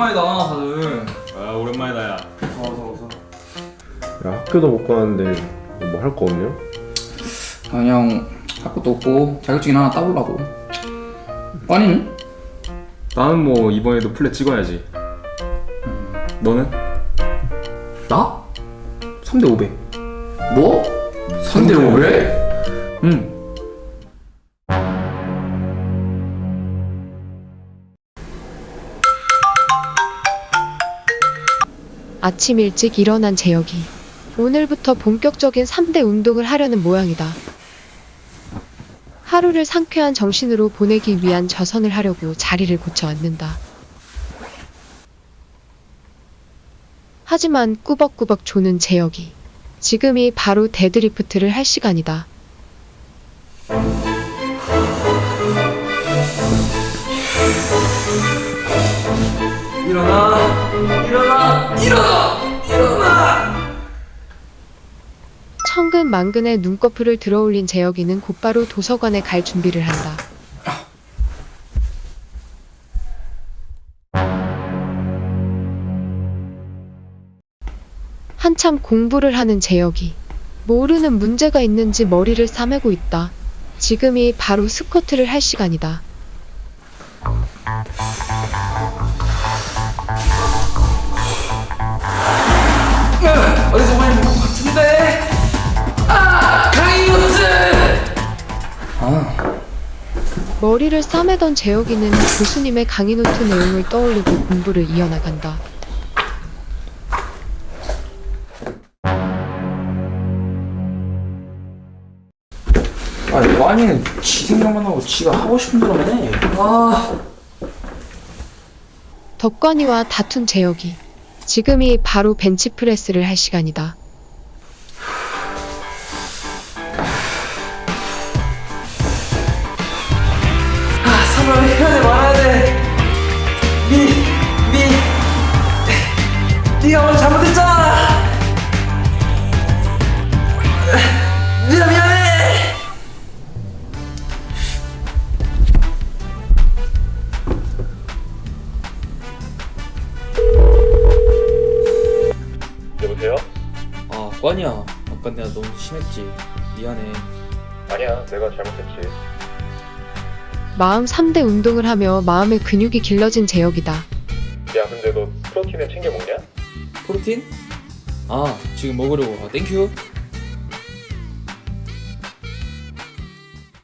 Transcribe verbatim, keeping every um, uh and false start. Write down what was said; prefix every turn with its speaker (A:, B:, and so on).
A: 오랜만이다 다들.
B: 아 오랜만이다 야.
A: 어서 어서.
C: 야, 학교도 못 가는데 뭐 할 거 없냐?
A: 그냥 할 것도 없고 자격증 하나 따보려고. 빠니는?
B: 나는 뭐 이번에도 플랫 찍어야지. 너는?
A: 나? 삼 대 오백. 뭐? 삼 대 오백?
B: 응.
D: 아침 일찍 일어난 재혁이. 오늘부터 본격적인 삼 대 운동을 하려는 모양이다. 하루를 상쾌한 정신으로 보내기 위한 저선을 하려고 자리를 고쳐 앉는다. 하지만 꾸벅꾸벅 조는 재혁이. 지금이 바로 데드리프트를 할 시간이다.
A: 일어나 일어나 일어나 일어나.
D: 천근만근의 눈꺼풀을 들어올린 재혁이는 곧바로 도서관에 갈 준비를 한다. 한참 공부를 하는 재혁이. 모르는 문제가 있는지 머리를 싸매고 있다. 지금이 바로 스쿼트를 할 시간이다.
A: 어디서 많이 본 것 같은데. 아 강인노트. 아
D: 머리를 싸매던 재혁이는 교수님의 강의 노트 내용을 떠올리고 공부를 이어나간다.
A: 아니 빠니는 지 생각만 하고 지가 하고 싶은 대로만 해. 아
D: 덕관이와 다툰 재혁이. 지금이 바로 벤치프레스를 할 시간이다.
A: 아, 사람 해야 돼 말아야 돼. 니, 니, 니가 오늘 잘못했잖아. 미안 미안해.
C: 여보세요?
E: 아, 꽝이야. 아까 내가 너무 심했지. 미안해.
C: 아니야, 내가 잘못했지.
D: 마음 삼 대 운동을 하며 마음의 근육이 길러진 재혁이다.
C: 야, 근데 너 프로틴은 챙겨 먹냐?
E: 프로틴? 아, 지금 먹으려고. 아, 땡큐.